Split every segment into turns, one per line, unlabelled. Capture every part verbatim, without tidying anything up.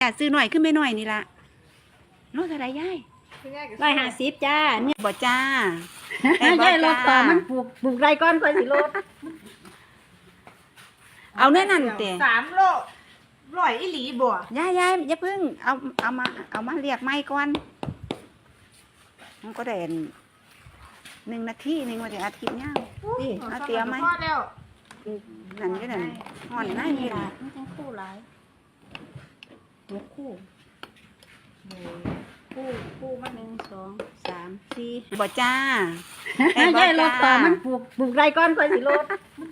จ้าซื้อหน่อยขึ้นไม่หน่อยนี่ละโน้ตอะไรยาย
ร้อยห้าสิบจ้าเนี่ย
บ่จ้า
ยายรถต่อมันปลูกปลูกไรก้อนค่อยสิรถ
เอาแน่นั่นเตะ
สามโลร้อยอีหลีบ่
ยายยายอย่าเพิ่งเอาเอามาเอามาเรียกไม้ก่อนมันก็เด่นหนึ่งนาทีหนึ่งวันเดียวอาทิตย์ย่างดิเอาเตรียมไหมนั่นก็นั่นห่อนน่านี่ละ
ไม่ต้องคู่หลายหัวคู่คู่คู่มาหนึ่งสองสามสี่
บ่จ้า
ยายรถต่อมันปลูกปลูกไรก้อนค่อยสิรถ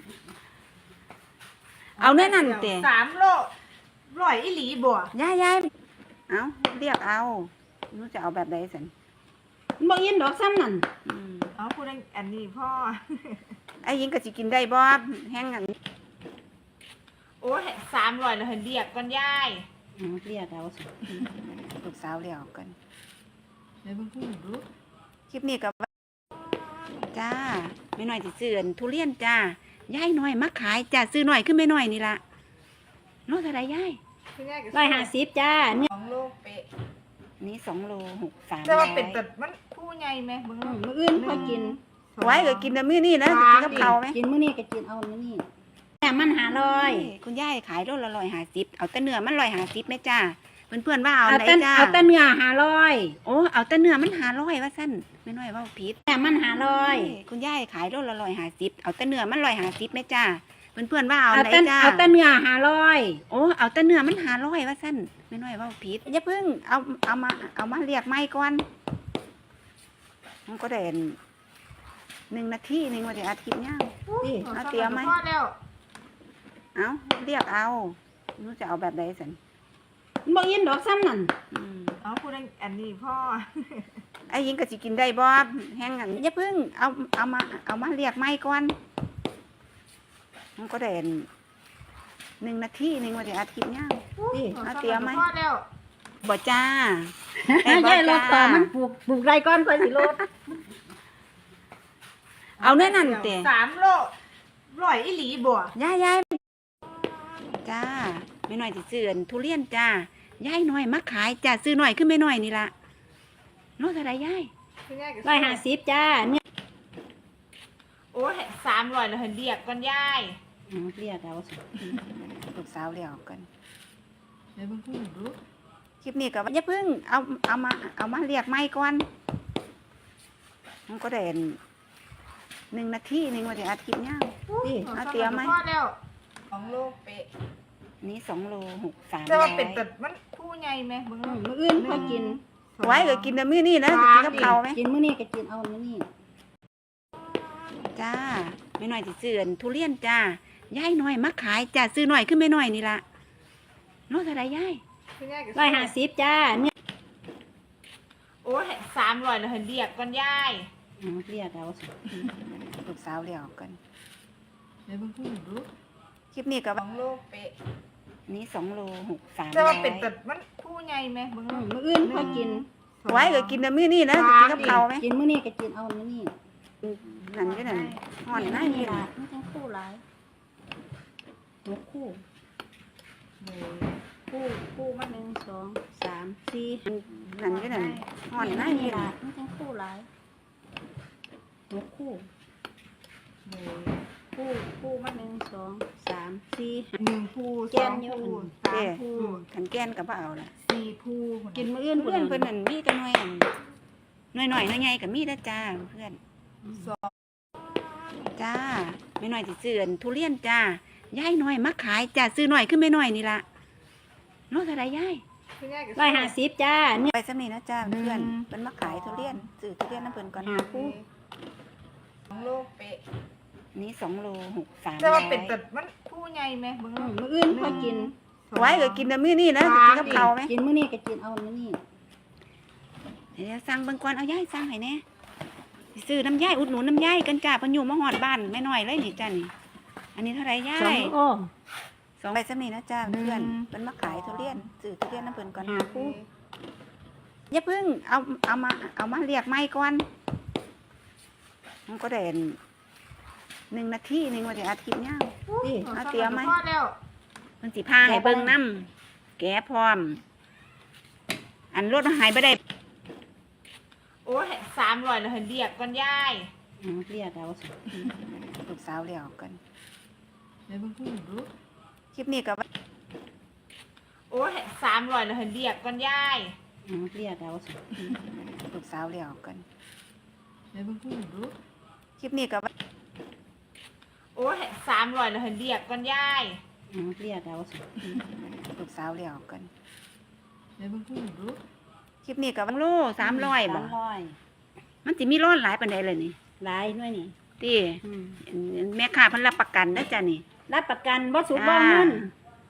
เอาแน่นั่นเตะ
สามโลร้อยอีหลีบ่
ยายยายเอาเรียกเอานู้จะเอาแบบใดสัน
บ่ยินดอกซ้ำนั่น
เอาพูดอันนี้พ่อ
ไอ้ยิงก็สิกินได้บ่แห้งอัน
โอ้สามร้อยแล้วเห็นเรียกก่อนยาย
เรียกเอาสิ
ลูกสาวเรียกกัน
เดี๋ยวเพิ่งพูดดู
คลิปนี้กับจ้าไม่น้อยสิซื้อทุเรียนจ้ายายน้อยมาขายจ้าซื้อหน่อยขึ้นไม่น้อยนี่ละโน้ตอะไรยาย
ร้อยห้าสิบจ้าเนี่ย
สองโลเป๊ะ
นี่สองโลหกสาม
แต่ว่าเป็นแต่มันผู้ใหญ่ไหมมึง
มื้ออื่นพอกิน
ไว้ก็กินแต่มื้อนี้นะกินกับเขาไหม
กินมื้อนี้ก็กินเอามื้อนี้แต่มันหาร้อย
คุณยายขายโลละร้อยห้าสิบเอาแต่เนื้อมันร้อยห้าสิบไหมจ้าเพื่อนเพื่อนว่าเอาไหนจ้า
เอาแต่เนื้อหาร้อย
โอ้เอาแต่เนื้อมันหาร้อยว่าสั้นไม่น้อยว่าผิด
แต่มันหาร้อย
คุณยายขายโลละร้อยห้าสิบเอาแต่เนื้อมันร้อยห้าสิบไหมจ้าเพื่อนเพื่อนว่าเอาไหนจ้า
เอาแต่เนื้อหาร้อย
โอ้เอาแต่เนื้อมันหาร้อยว่าสั้นไม่น้อยว่าผิดอย่าเพิ่งเอาเอามาเอามาเรียกไม้ก่อนมันก็เด่นหนึ่งนาทีหนึ่งวันเดียวอาทิตย์ย่างดิเอาเตรียมไหมเอาเรียกเอานู้จะเอาแบบใดสัน
บ่ยินดอกซ้ำนั่น
เอาพูดอันนี้พ่อ
ไอ้ยิงก็สิกินได้บ่แห้งอันอย่าเพิ่งเอาเอามาเอามาเรียกไม้ก่อนมันก็เด่นหนึ่งนาทีหนึ่งวันเดียวอาทิตย์ย่างดิเอาเตรียมไหมบ่จ้า
ยายรถต่อมันปลูกปลูกไรก้อนค่อยสิรถ
เอาแน่นั่นเตะ
สามโลร้อยอีหลีบ่
ยายยายจ้าไม่น้อยสิซื้อทุเรียนจ้ายายน้อยมาขายจ้าซื้อหน่อยขึ้นไม่น้อยนี่ละโน้ตอะไรยาย
ร้อยห้าสิบจ้าเนี่ย
โอ้สามร้อยแล้วเห็นเรียกก่อนยาย
เรียกเอาสิ
ลูกสาวเรียกกัน
เดี๋ยวเพิ่งพูดดู
คลิปนี้กับอย่าเพิ่งเอาเอามาเอามาเรียกไม้ก่อนมันก็เด่นหนึ่งนาทีหนึ่งวันเดียวอาทิตย์ย่างดิเอาเตรียมไหม
สองโลเป๊ะ
นี่สองโลหกสาม
แต่ว่าเป็นแต่มันผู้ใหญ่ไหมมึง
มื้ออื่นพอกิน
ไว้ก็กินแต่มื้อนี้นะกินกับเขาไหม
กินมื้อนี้ก็กินเอามื้อนี้
จ้าไม่น้อยสิซื้อทุเรียนจ้ายายน้อยมาขายจ้าซื้อหน่อยขึ้นไม่น้อยนี่ละโน้ตอะไรยาย
ร้อยห้าสิบจ้าเนี่ย
โอ้สามร้อยแล้วเห็นเรียกก่อนยาย
เรียกเอาสิ
ลูกสาวเรียกกัน
เดี๋ยวเพิ่งพูดดู
คลิปนี้กับ
สองโลเป๊ะ
นี่สองโลหกสาม
แต่ว่าเป็นแต่มันผู้ใหญ่ไหมมึง
มื้ออื่นพอกิน
ไว้ก็กินแต่มื้อนี้นะกินกับเขาไหม
กินมื้อนี้ก็กินเอามื้อนี้
นั่นก็นั่นห่อนน่านี่ละ
ไม่ต้องคู่หลายหัวคู่คู่คู่มาหนึ่งสองสามสี่
นั่นก็นั่นห่อนน่านี่ละ
ไม่ต้องคู่หลายหัวคู่คู่คู่มาหนึ่งสองสามสี่
หนึ่งคู่สองคู่สามคู่
ขันแกนกับเปล่าล่ะ
สี่คู่
กินมื้ออื่นเพื่อนเพื่อนนั่นมีกันหน่อยหน่อยหน่อยหน่อยใหญ่กับมีได้จ้าเพื่อน
สอง
จ้าไม่น้อยสิซื้อทุเรียนจ้ายายน้อยมาขายจ้าซื้อหน่อยขึ้นไม่น้อยนี่ละโน้ตอะไรยาย
ร้อยห้าสิบจ้า
เนี่ยไปสำนีนะจ้าเพื่อนเป็นมาขายทุเรียนซื้อทุเรียนน้ำเพื่อนก่อน
หาคู่
สองโลเป๊ะ
นี่สองโลหกสาม
แต่ว่าเป็นแต่มันผู้ใหญ่ไหมมึง
มื้ออื่นพอกิน
ไว้ก็กินแต่มื้อนี้นะกินกับเขาไหม
กินมื้อนี้ก็กินเอามื้อนี้
เดี๋ยวสั่งเบิ่งก่อนเอายายสั่งให้แน่ซื้อน้ำยายอุดหนุนน้ำยายกันจ้าพันอยู่มาหอดบ้านไม่น้อยเลยนี่จ้านี่อันนี้เท่าไรยาย
สอง
สองใบสำนีนะจ้าเพื่อนเป็นมาขายทุเรียนซื้อทุเรียนน้ำเพื่อนก่อน
หาคู่
อย่าเพิ่งเอาเอามาเอามาเรียกไม้ก่อนมันก็เด่นหนึ่งนาทีหนึ่งวันเดียวอาทิตย์ย่างดิเอาเตรียมไหมมันสิพาให้เบิ่งน้ำแกะพร้อมอันรถหายไปได้
โอ้สามร้อยแล้วเห็นเรียกก่อนยาย
อืมเรียกเอาสิ
ลูกสาวเลี้ยวกัน
เดี๋ยวเพิ่งพูดรู้
คลิปนี้ก็
โอ้สามร้อยแล้วเห็นเรียกก่อนยาย
อืมเรียกเอาสิ
ลูกสาวเลี้ยวกัน
เดี๋ยวเพิ่งพูดรู้
คลิปนี้ก็
โอ้สามร้อยแล้วเห็นเรียกก่อนยาย
อืมเรียกเอาสิ
ลูกสาวเลี้ยวกัน
เดี๋ยวเพิ่งพูดรู้
คลิปนี้ก็บังโลสามร้อยบ่
สามร้อย
มันสิมีร้อนหลายปานใดเลยนี่
หลายหน่วยนี่
ติ
อืม
แม่ค้าเพิ่นรับประกันนะจ้ะนี่
รับประกันบ่สูบบ่เงิน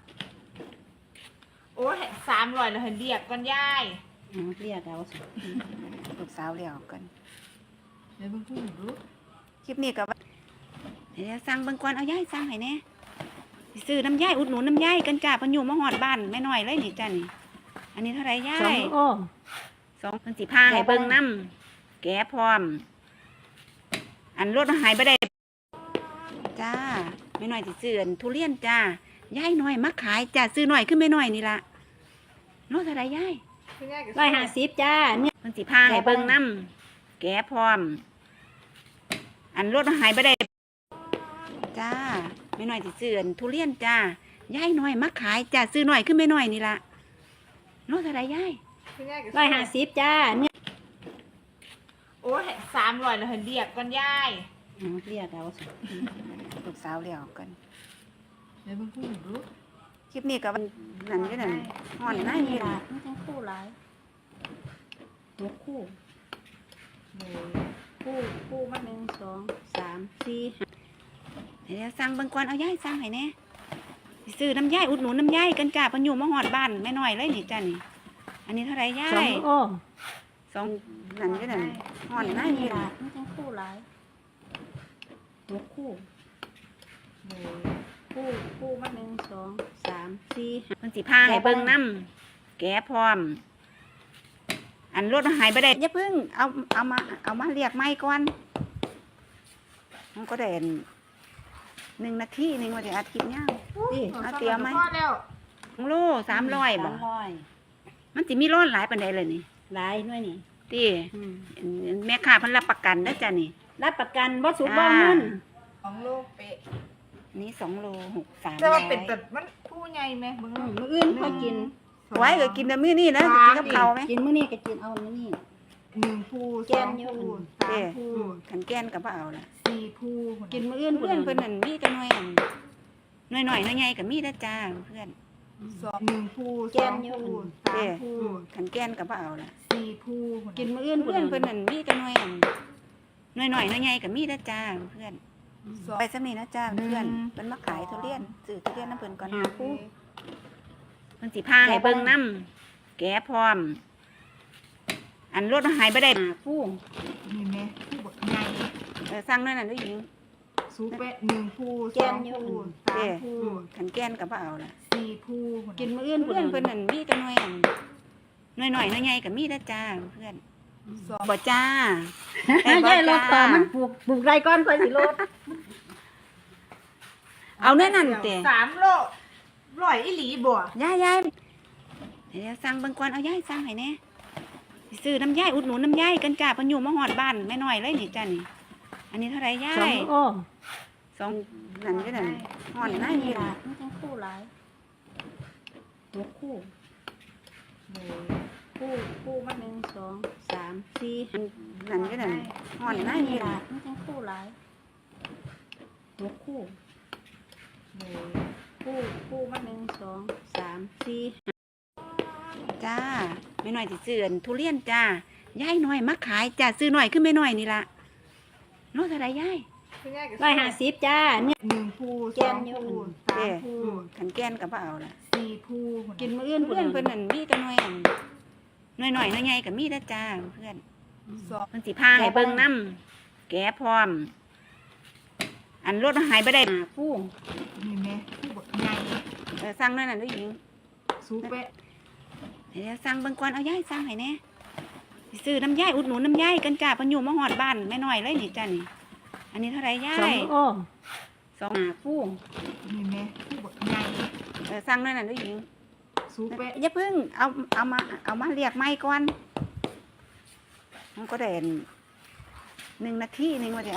โอ้สามร้อยแล้วเห็นเรียกก่อนยาย
อืมเรียกเอาสิ
ลูกสาวเลี้ยวกัน
เดี๋ยวเพิ่งพูดรู้
คลิปนี้ก็เดี๋ยวสั่งเบิ่งก่อนเอายายสั่งให้แหน่สิซื้อน้ำยายอุดหนุนน้ำยายกันจ้าเพิ่นอยู่มาฮอดบ้านแม่น้อยเลยนี่จ้ะนี่ อันนี้เท่าไหร่ยา
สอง
ย
โอ้
สองเพิ่นสิพาให้เบิ่งน้ำแกะพร้อม อันรถหายไปได้จ้าแม่น้อยสิซื้ออันทุเรียนจ้ายายน้อยมาขายจ้าซื้อน้อยขึ้นแม่น้อยนี่ล่ะโลเท่าไหร่ยาย
ร้อยห้าสิบจ้าเนี่ย
เพิ่นสิพาให้เบิ่งน้ำแกะพร้อม อันรถหายไปได้จ้าแม่น้อยสิซื้ออันทุเรียนจ้ายายน้อยมาขายจ้าซื้อน้อยขึ้นแม่น้อยนี่ล่ะโลเท่าไหร่ยาย
ร้อยห้าสิบจ้าเนี่ย
โอ้สามร้อยแล้วเห็นเรียกก่อนยาย
อืมเรียกเอาสิ
ลูกสาวเลี้ยวกัน
เดี๋ยวเพิ่งพูดรู้
คลิปนี้ก็นั่นอยู่นั่นฮ้อนหน้า
นี่
นี่
ล่ะ
ล่ะ
มันจังคู่หลายหกคู่ คู่คู่มาหนึ่งสองสามสี่ห้า
เดี๋ยวสั่งเบิ่งก่อนเอายายสั่งให้แหน่สิซื้อน้ำยายอุดหนุนน้ำยายกันจ้าเพิ่นอยู่มาฮอดบ้านแม่น้อยเลยนี่จ้ะนี่ อันนี้เท่าไหร่ยา
สอง
ย
โอ้
สองนั่นอยู่นั่นฮ้อนหน้า
นี่
นี่
ล่ะ
ล่ะ
มันจังคู่หลายหกคู่ คู่คู่มาหนึ่งสองสามสี่ห้า
เพิ่นสิพาให้เบิ่งน้ำแกะพร้อม อันรถหายไปได้อย่าเพิ่งเอาเอามาเอามาเรียกไม้ก่อนมันก็ได้อันหนึ่งนาทีหนึงว่าจะอาทิตย์ยาว
นี่
เอาเตรียมไหม
พอแล้ว
ของโลสามร้อยบ่
สามร้อย
มันสิมีร้อนหลายปานใดเลยนี่
หลายหน่วยนี่
ติ
อืม
แม่ค้าเพิ่นรับประกันนะจ้ะนี่
รับประกันบ่สูบบ่เงิน
ของโลกเป๊ะ
อันนี้สองโลหกสาม
แต่
ร้อ
ว่าย เป็นแบบมันผู้ใหญ่ไหมมึง
อืมมื้ออื่นพอกิน
ไว้ก็กินแต่มื้อนี้นะจะกินกับข้าวไหม
กินมื้อนี้ก็กินเอามื้อนี้
หนึ่งผู้
แก
สอน ง
อยู่
ผู้
เด้
สามผู้
ขันแก้นกับบ่เอาล่ะ
สี่ผู้
กินมื้ออื่น
เพื่อนเพิ่นนั่นมีแต่น้อยอันน้อยๆน้อยใหญ่ก็มีนะจ้าเพื่อน
สองหนึ่งผู้
แก
สอน ง
อยู่
ผู้
เด้
สามผู้
ขันแก้นกับบ่เอาล่ะ
สี่ผู้
กินมื้ออื่น
เพื่อนเพิ่นนั่นมีแต่น้อยอันน้อยๆน้อยใหญ่ก็มีนะจ้าเพื่อน
สอง
ไปซำนี้นะจ้าเพื่อน
หนึ่ง
เพิ่นมาขายทุเรียนซื้อทุเรียนน้ำเพิ่นก่อน
หาคู่
เพิ่นสิพาให้เบิ่งน้ำแกะพร้อม อันรถหายไปได้
หาคู่
นี่แม่ผู้บักใหญ่
เออสั่งนั่นน่ะด้วยหญิง
สูเป๊ะหนึ่งผู้สองผู้สา
เด้
มผู้
ขันแก้นกับบ่เอาล่ะ
สี่ผู้
กินมื้ออื่น
เพื่อนเพิ่นนั่นมีแต่น้อยอันน้อยๆน้อยใหญ่ก็มีนะจ้าเพื่อน
สอง
บ่จ้า
ยายรถต่อมันปลูกปลูกไรก่อนค่อยสิรถ
เอาแน่นั่นเตะ
สามโลร้อยอีหลีบ่
ยายยายเดี๋ยวสั่งเบิ่งก่อนเอายายสั่งให้แหน่สิซื้อน้ำยายอุดหนุนน้ำยายกันจ้าเพิ่นอยู่มาฮอดบ้านแม่น้อยเลยนี่จ้านี่ อันนี้เท่าไหร่ยา
สอง
ย
โอ้
สองนั่นอยู่นั่นฮ้อนหน้า
นี่
นี่
ล่ะ
ล่ะ
มันจังคู่หลายหกคู่ คู่คู่มาหนึ่งสองสามสี่ห้า
นั่นอยู่นั่นฮ้อนหน้านี่
นี่
ล่ะ
ล่ะมันจังคู่หลายหกคู่ คู่คู่มาหนึ่งสองสามสี่ห้า
จ้าแม่น้อยสิซื้ออันทุเรียนจ้ายายน้อยมาขายจ้าซื้อน้อยขึ้นแม่น้อยนี่ล่ะโลเท่าไหร่ยาย
ร้อยห้าสิบจ้าเนี่ย
หนึ่งผู้
แก
สอน ง
อยู่
ผู้สามผู้
ขันแก้นกับบ่เอาล่ะ
สี่ผู้
กินมื้ออื่น
เพื่อนเพิ่นนั่นมีแต่น้อยอันน้อยๆน้อยใหญ่ก็มีนะจ้าเพื่อน
สอง
เพิ่นสิพาให้เบิ่งน้ำแกะพร้อม อันรถหายไปได้
หาคู่
นี่แม่ผู้บักใหญ่
เออสั่งนั่นน่ะด้วยหญิง
สูเป๊ะ
เดี๋ยวสั่งเบิ่งก่อนเอายายสั่งให้แหน่สิซื้อน้ำยายอุดหนุนน้ำยายกันจ้าเพิ่นอยู่มาฮอดบ้านแม่น้อยเลยนี่จ้านี่ อันนี้เท่าไหร่ยา
สอง
ย
โอ้
สอง
หาคู่
นี่แม่ผู้บักใหญ่
เออสั่งนั่นน่ะด้วยหญิง
สูสูไป
อย่าเพิ่งเอาเอามาเอามาเรียกไม่ก่อนมันก็ได้อันหนึ่งนาทีหนึ่งว่าจะ